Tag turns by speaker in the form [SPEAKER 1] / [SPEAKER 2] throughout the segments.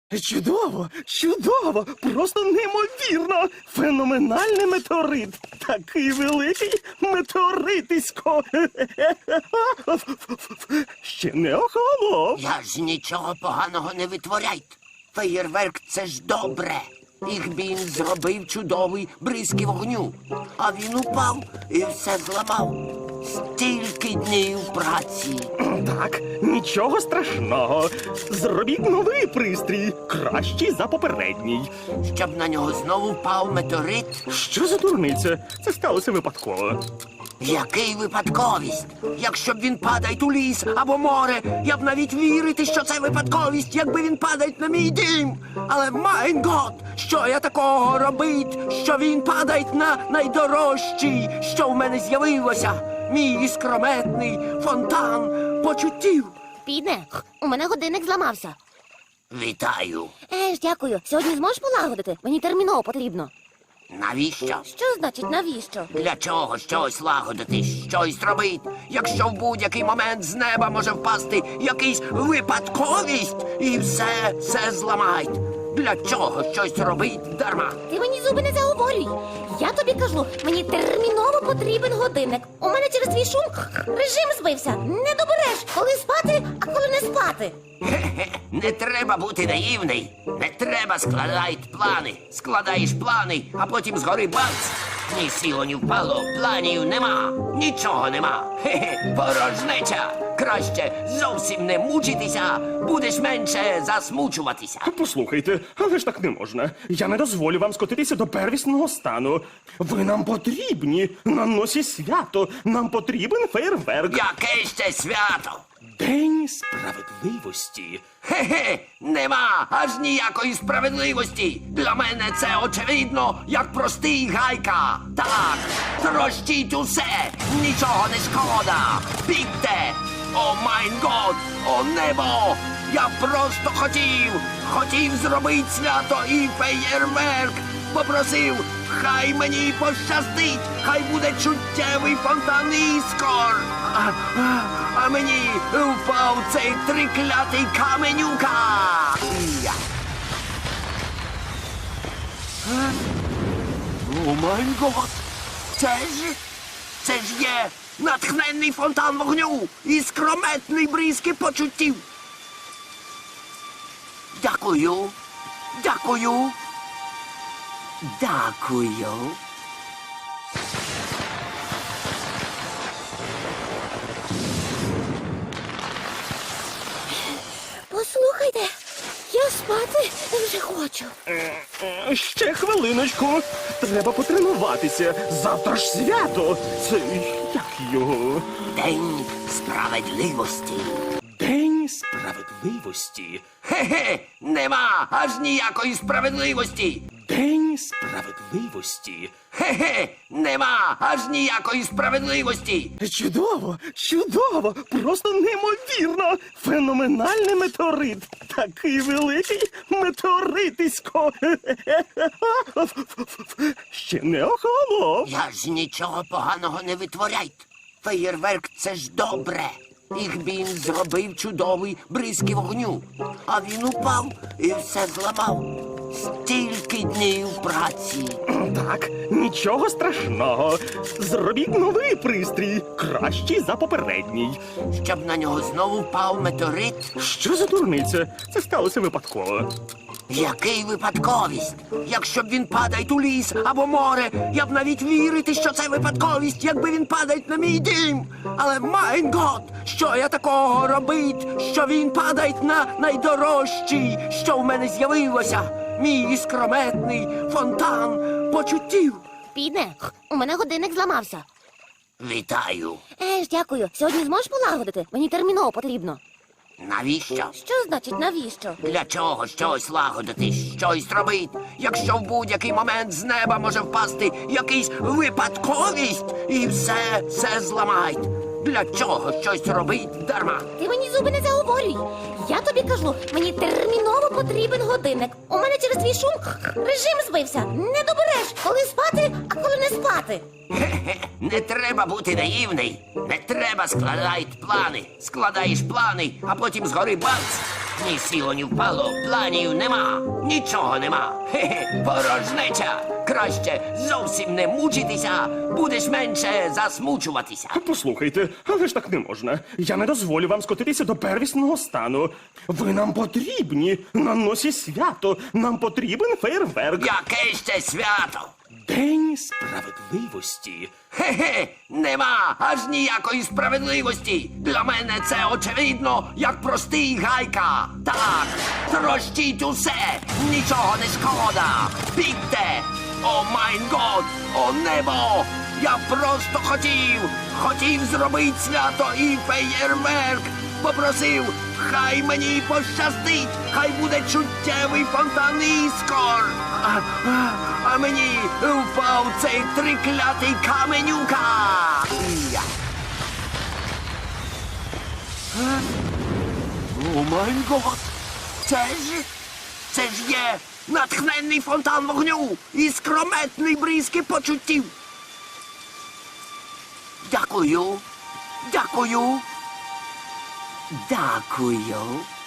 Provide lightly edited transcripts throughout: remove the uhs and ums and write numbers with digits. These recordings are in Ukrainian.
[SPEAKER 1] Чудово, чудово, просто неймовірно. Феноменальний метеорит. Такий великий метеоритисько. Ще не охолонув.
[SPEAKER 2] Я ж нічого поганого не витворяйте. Феєрверк – це ж добре. Їх він зробив чудовий бризки вогню. А він упав і все зламав. Стільки днів праці.
[SPEAKER 1] Так, нічого страшного. Зробіть новий пристрій, кращий за попередній.
[SPEAKER 2] Щоб на нього знову впав метеорит.
[SPEAKER 1] Що за дурниця? Це сталося випадково.
[SPEAKER 2] Який випадковість? Якщо б він падає у ліс або море, я б навіть вірити, що це випадковість, якби він падає на мій дім. Але, майн гот, що я такого робить, що він падає на найдорожчий, що в мене з'явилося? Мій іскрометний фонтан почуттів.
[SPEAKER 3] Піде, у мене годинник зламався.
[SPEAKER 2] Вітаю.
[SPEAKER 3] Дякую. Сьогодні зможеш полагодити? Мені терміново потрібно.
[SPEAKER 2] Навіщо?
[SPEAKER 3] Що значить навіщо?
[SPEAKER 2] Для чого щось лагодити, щось робить, якщо в будь-який момент з неба може впасти якийсь випадковість і все зламають? Для чого щось робить дарма?
[SPEAKER 3] Ти мені зуби не заговорюй. Я тобі кажу, мені терміново потрібен годинник. У мене через твій шум режим збився. Не добереш, коли спати, а коли не спати.
[SPEAKER 2] Хе-хе, не треба бути наївний. Не треба складати плани. Складаєш плани, а потім згори бац. Ні сіло, ні впало, планів нема. Нічого нема. Хе-хе, порожнеча. Краще зовсім не мучитися, будеш менше засмучуватися.
[SPEAKER 1] Послухайте, але ж так не можна. Я не дозволю вам скотитися до первісного стану. Ви нам потрібні. На носі свято. Нам потрібен фейерверк.
[SPEAKER 2] Яке ще свято?
[SPEAKER 1] День справедливості.
[SPEAKER 2] Хе-хе, нема аж ніякої справедливості. Для мене це очевидно, як простий гайка. Так, трощіть усе, нічого не шкода. Бігте! О майн год, о небо! Я просто хотів зробити свято і феєрверк. Попросив, хай мені пощастить, хай буде чуттєвий фонтан іскор. А мені впав цей триклятий каменюка. Я. О май гот! Це ж є натхненний фонтан вогню і скрометний бризки почуттів. Дякую. Дякую. Дякую.
[SPEAKER 3] Послухайте, я спати вже хочу.
[SPEAKER 1] Ще хвилиночку. Треба потренуватися. Завтра ж свято. Це як його?
[SPEAKER 2] День справедливості.
[SPEAKER 1] День справедливості.
[SPEAKER 2] Хе-хе, нема аж ніякої справедливості.
[SPEAKER 1] День справедливості.
[SPEAKER 2] Хе-хе, нема аж ніякої справедливості.
[SPEAKER 1] Чудово, чудово, просто неймовірно. Феноменальний метеорит. Такий великий метеоритисько. Ще не охолонув.
[SPEAKER 2] Я ж нічого поганого не витворяйте. Феєрверк – це ж добре. Їх він зробив чудовий бризки вогню. А він упав і все зламав. Стільки днів праці.
[SPEAKER 1] Так, нічого страшного. Зробіть новий пристрій, кращий за попередній.
[SPEAKER 2] Щоб на нього знову впав метеорит.
[SPEAKER 1] Що за дурниця? Це сталося випадково.
[SPEAKER 2] Який випадковість? Якщо б він падає у ліс або море, я б навіть вірити, що це випадковість, якби він падає на мій дім. Але, майн гот, що я такого робить, що він падає на найдорожчий, що в мене з'явилося? Мій іскрометний фонтан почуттів.
[SPEAKER 3] Піде, у мене годинник зламався.
[SPEAKER 2] Вітаю.
[SPEAKER 3] Дякую. Сьогодні зможеш полагодити? Мені терміново потрібно.
[SPEAKER 2] Навіщо?
[SPEAKER 3] Що значить навіщо?
[SPEAKER 2] Для чого щось лагодити, щось робить, якщо в будь-який момент з неба може впасти якийсь випадковість і все зламають? Для чого щось робить дарма?
[SPEAKER 3] Ти мені зуби не заговорюй. Я тобі кажу, мені терміново потрібен годинник. У мене через твій шум режим збився. Не добереш, коли спати, а коли не спати.
[SPEAKER 2] Хе-хе, не треба бути наївний. Не треба складати плани. Складаєш плани, а потім згори бац. Ні сіло, ні впало, планів нема, нічого нема. Хе-хе, порожнеча. Краще зовсім не мучитися, будеш менше засмучуватися.
[SPEAKER 1] Послухайте, але ж так не можна. Я не дозволю вам скотитися до первісного стану. Ви нам потрібні на носі свято. Нам потрібен фейерверк.
[SPEAKER 2] Яке ще свято?
[SPEAKER 1] День справедливості.
[SPEAKER 2] Хе-хе, нема аж ніякої справедливості. Для мене це очевидно, як простий гайка. Так, трощіть усе, нічого не шкода. Бігте! О майн год, о небо! Я просто хотів зробити свято і феєрверк. Попросив, хай мені пощастить, хай буде чуттєвий фонтан іскор. А мені впав цей триклятий каменюка. Я. О май гот! Це ж є натхненний фонтан вогню і скрометний бризки почуттів. Дякую. Дякую. Дякую.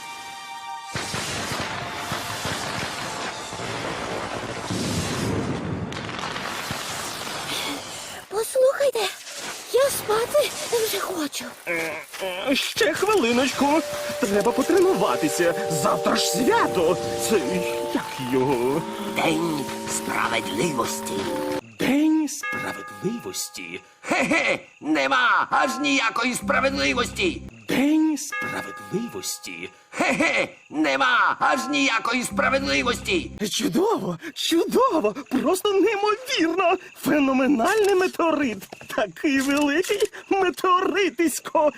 [SPEAKER 3] Послухайте, я спати вже хочу.
[SPEAKER 1] Ще хвилиночку. Треба потренуватися. Завтра ж свято. Це як його?
[SPEAKER 2] День справедливості.
[SPEAKER 1] День справедливості.
[SPEAKER 2] Хе-хе, нема аж ніякої справедливості.
[SPEAKER 1] День справедливості.
[SPEAKER 2] Хе-хе, нема аж ніякої справедливості.
[SPEAKER 1] Чудово, чудово, просто неймовірно. Феноменальний метеорит. Такий великий метеоритисько.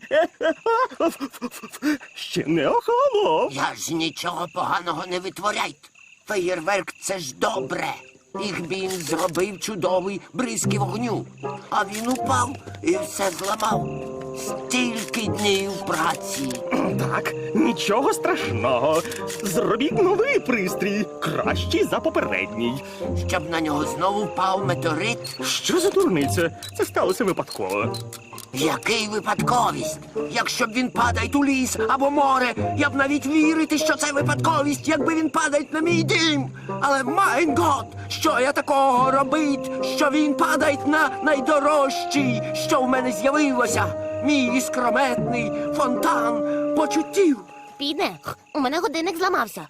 [SPEAKER 1] Ще не охолонув.
[SPEAKER 2] Я ж нічого поганого не витворяйте. Феєрверк це ж добре. Їх він зробив чудовий бризки вогню. А він упав і все зламав. Стільки днів праці.
[SPEAKER 1] Так, нічого страшного. Зробіть новий пристрій, кращий за попередній.
[SPEAKER 2] Щоб на нього знову впав метеорит.
[SPEAKER 1] Що за дурниця? Це сталося випадково.
[SPEAKER 2] Який випадковість? Якщо б він падає у ліс або море, я б навіть вірити, що це випадковість, якби він падає на мій дім. Але майн гот, що я такого робить, що він падає на найдорожчий, що в мене з'явилося. Мій іскрометний фонтан почуттів.
[SPEAKER 3] Піде, у мене годинник зламався.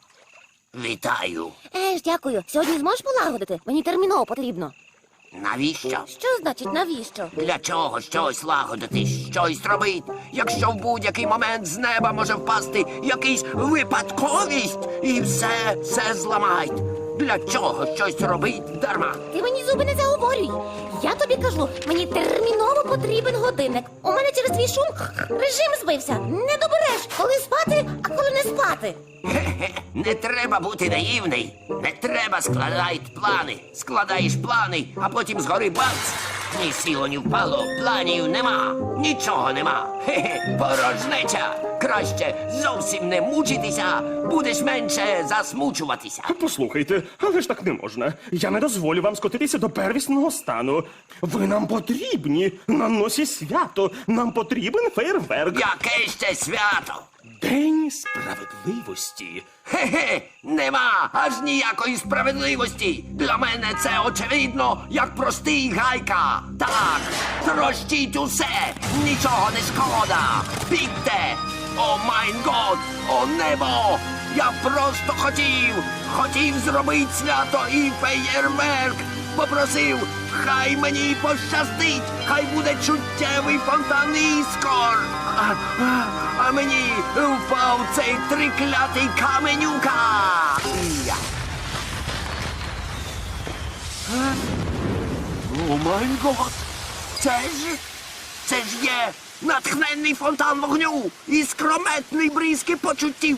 [SPEAKER 2] Вітаю.
[SPEAKER 3] Дякую. Сьогодні зможеш полагодити? Мені терміново потрібно.
[SPEAKER 2] Навіщо?
[SPEAKER 3] Що значить навіщо?
[SPEAKER 2] Для чого щось лагодити, щось робить, якщо в будь-який момент з неба може впасти якийсь випадковість і все зламають? Для чого щось робить дарма?
[SPEAKER 3] Ти мені зуби не заговорюй. Я тобі кажу, мені терміново потрібен годинник. У мене через твій шум режим збився. Не добереш, коли спати, а коли не спати.
[SPEAKER 2] Хе-хе, не треба бути наївний. Не треба складати плани. Складаєш плани, а потім згори бац. Ні сіло, ні впало, планів нема, нічого нема. Хе-хе, порожнеча. Краще зовсім не мучитися, будеш менше засмучуватися.
[SPEAKER 1] Послухайте, але ж так не можна. Я не дозволю вам скотитися до первісного стану. Ви нам потрібні на носі свято. Нам потрібен фейерверк.
[SPEAKER 2] Яке ще свято?
[SPEAKER 1] День справедливості.
[SPEAKER 2] Хе-хе, нема аж ніякої справедливості. Для мене це очевидно, як простий гайка. Так, трощіть усе, нічого не шкода. Бігте! О майн год, о небо! Я просто хотів зробити свято і феєрверк. Попросив, хай мені пощастить, хай буде чуттєвий фонтан іскор. А мені впав цей триклятий каменюка. Я. О май гот! Це ж є натхненний фонтан вогню і скрометний бризки почуттів.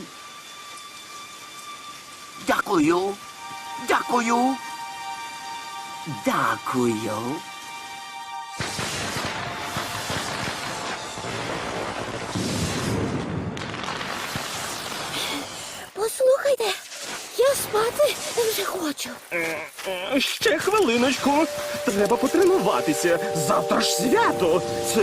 [SPEAKER 2] Дякую. Дякую. Дякую.
[SPEAKER 3] Послухайте, я Спати вже хочу.
[SPEAKER 1] Ще хвилиночку. Треба потренуватися. Завтра ж свято. Це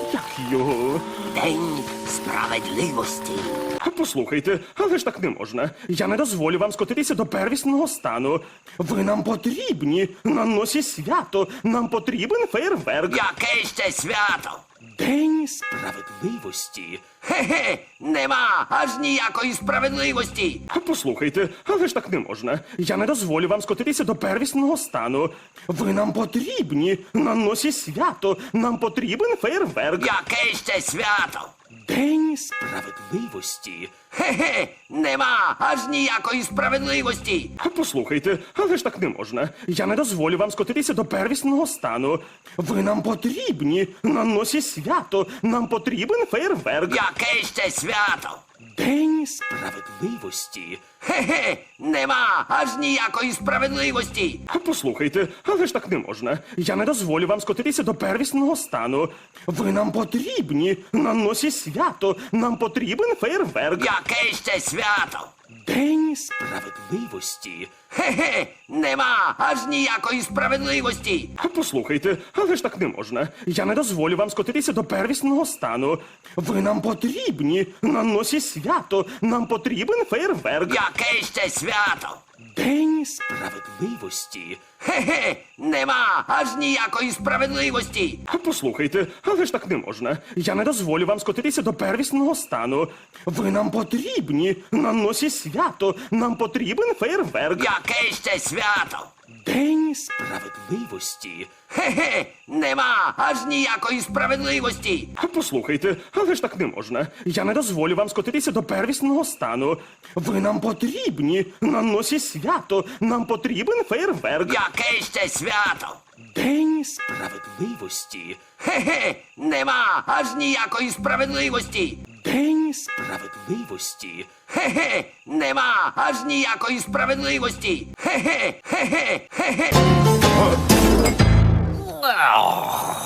[SPEAKER 1] як його?
[SPEAKER 2] День справедливості.
[SPEAKER 1] Послухайте, але ж так не можна. Я не дозволю вам скотитися до первісного стану. Ви нам потрібні. На носі свято. Нам потрібен фейерверк.
[SPEAKER 2] Яке ще свято?
[SPEAKER 1] День справедливості.
[SPEAKER 2] Хе-хе, нема аж ніякої справедливості.
[SPEAKER 1] Послухайте, але ж так не можна. Я не дозволю вам скотитися до первісного стану. Ви нам потрібні. На носі свято. Нам потрібен фейерверк.
[SPEAKER 2] Яке ще свято?
[SPEAKER 1] День справедливості.
[SPEAKER 2] Хе-хе, нема аж ніякої справедливості.
[SPEAKER 1] Послухайте, але ж так не можна. Я не дозволю вам скотитися до первісного стану. Ви нам потрібні. На носі свято. Нам потрібен фейерверк.
[SPEAKER 2] Яке ще свято?
[SPEAKER 1] День справедливості.
[SPEAKER 2] Хе-хе, нема аж ніякої справедливості.
[SPEAKER 1] Послухайте, але ж так не можна. Я не дозволю вам скотитися до первісного стану. Ви нам потрібні. На носі свято. Нам потрібен фейерверк.
[SPEAKER 2] Яке ще свято?
[SPEAKER 1] День справедливості.
[SPEAKER 2] Хе-хе, нема аж ніякої справедливості.
[SPEAKER 1] Послухайте, але ж так не можна. Я не дозволю вам скотитися до первісного стану. Ви нам потрібні. На носі свято. Нам потрібен фейерверк.
[SPEAKER 2] Яке ще свято?
[SPEAKER 1] День справедливості.
[SPEAKER 2] Хе-хе, нема аж ніякої справедливості.
[SPEAKER 1] Послухайте, але ж так не можна. Я не дозволю вам скотитися до первісного стану. Ви нам потрібні. На носі свято. Нам потрібен фейерверк.
[SPEAKER 2] Яке ще свято?
[SPEAKER 1] День справедливості.
[SPEAKER 2] Хе-хе, нема аж ніякої справедливості.
[SPEAKER 1] Послухайте, але ж так не можна. Я не дозволю вам скотитися до первісного стану. Ви нам потрібні. На носі свято. Нам потрібен фейерверк.
[SPEAKER 2] Яке ще свято?
[SPEAKER 1] День справедливості.
[SPEAKER 2] Хе-хе, нема аж ніякої справедливості.
[SPEAKER 1] День справедливості.
[SPEAKER 2] Хе-хе, нема аж ніякої справедливості. Хе-хе, хе-хе, хе-хе.